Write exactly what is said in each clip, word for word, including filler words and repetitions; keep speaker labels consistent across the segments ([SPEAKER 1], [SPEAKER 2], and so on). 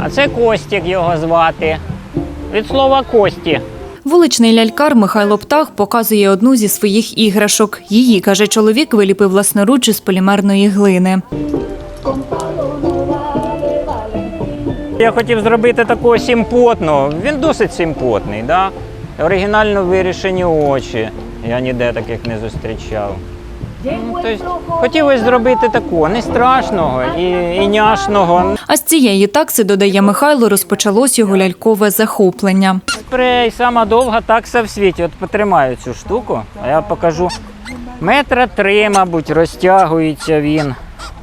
[SPEAKER 1] А це Костік його звати. Від слова «кості».
[SPEAKER 2] Вуличний лялькар Михайло Птах показує одну зі своїх іграшок. Її, каже чоловік, виліпив власноруч із полімерної глини.
[SPEAKER 1] Я хотів зробити такого симпотного. Він досить симпотний, да? Оригінально вирішені очі. Я ніде таких не зустрічав. Ну, тобто, хотілося зробити такого, не страшного і, і няшного.
[SPEAKER 2] А з цієї такси, додає Михайло, розпочалось його лялькове захоплення.
[SPEAKER 1] Спрей, сама довга такса в світі. От потримаю цю штуку, а я покажу. Метра три, мабуть, розтягується він.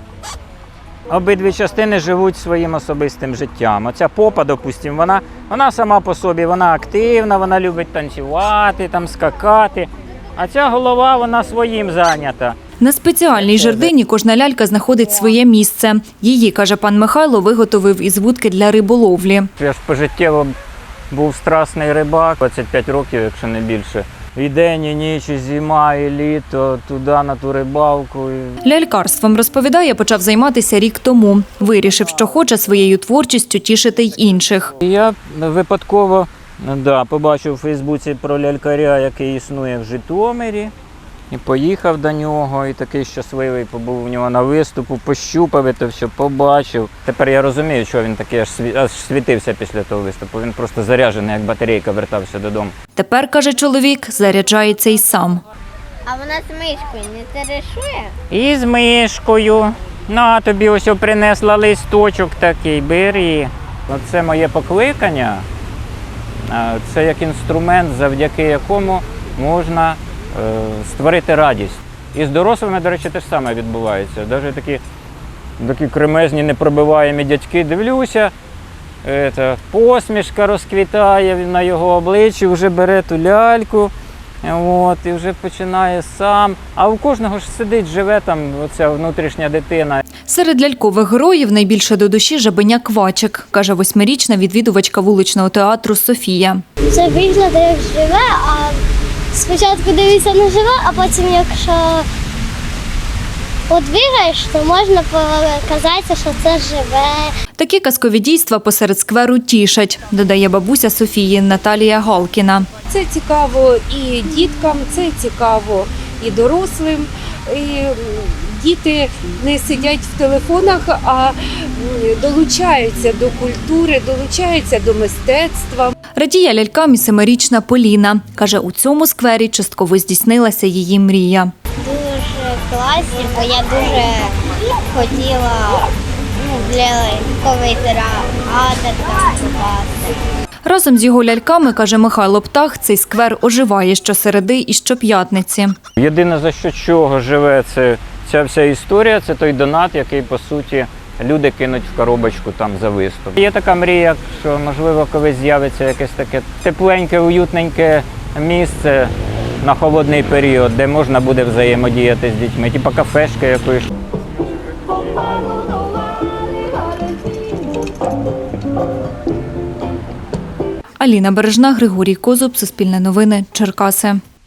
[SPEAKER 1] Обидві частини живуть своїм особистим життям. Оця попа, допустимо, вона, вона сама по собі, вона активна, вона любить танцювати, там, скакати. А ця голова, вона своїм зайнята.
[SPEAKER 2] На спеціальній жердині кожна лялька знаходить своє місце. Її, каже пан Михайло, виготовив із вудки для риболовлі.
[SPEAKER 1] Я ж пожиттєво був страсний рибак, двадцять п'ять років, якщо не більше. І день, і ніч, і зима, і літо, туди, на ту рибалку.
[SPEAKER 2] Лялькарством, розповідає, почав займатися рік тому. Вирішив, що хоче своєю творчістю тішити й інших.
[SPEAKER 1] Я випадково да, побачив у Фейсбуці про лялькаря, який існує в Житомирі. І поїхав до нього, і такий щасливий побув у нього на виступу, пощупав це все, побачив. Тепер я розумію, що він такий аж, сві... аж світився після того виступу. Він просто заряджений, як батарейка, вертався додому.
[SPEAKER 2] Тепер, каже чоловік, заряджається й сам.
[SPEAKER 3] А вона з мишкою не терешує?
[SPEAKER 1] І з мишкою. На, тобі ось принесла листочок такий, бери. Це моє покликання. Це як інструмент, завдяки якому можна створити радість. І з дорослими, до речі, те ж саме відбувається. Навіть такі, такі кремезні, непробиваємі дядьки, дивлюся, це, посмішка розквітає на його обличчі, вже бере ту ляльку, от, і вже починає сам. А у кожного ж сидить, живе там оця внутрішня дитина.
[SPEAKER 2] Серед лялькових героїв найбільше до душі жабеня Квачик, каже восьмирічна відвідувачка вуличного театру Софія.
[SPEAKER 3] Це виглядає як живе, а спочатку дивишся на живе, а потім, якщо от бігаєш, то можна показати, що це живе.
[SPEAKER 2] Такі казкові дійства посеред скверу тішать, додає бабуся Софії Наталія Галкіна.
[SPEAKER 4] Це цікаво і діткам, це цікаво і дорослим. І діти не сидять в телефонах, а долучаються до культури, долучаються до мистецтва.
[SPEAKER 2] Радіє лялькам і семирічна Поліна. Каже, у цьому сквері частково здійснилася її мрія.
[SPEAKER 3] Дуже класні, бо я дуже хотіла ну, для ляльковий театр танцювати.
[SPEAKER 2] Разом з його ляльками, каже Михайло Птах, цей сквер оживає щосереди і щоп'ятниці.
[SPEAKER 1] Єдине, за що чого живе це, ця вся історія, це той донат, який, по суті, люди кинуть в коробочку там за виступ. Є така мрія, що, можливо, колись з'явиться якесь таке тепленьке, уютненьке місце на холодний період, де можна буде взаємодіяти з дітьми, типу кафешки якоїсь.
[SPEAKER 2] Аліна Бережна, Григорій Козуб, Суспільне новини, Черкаси.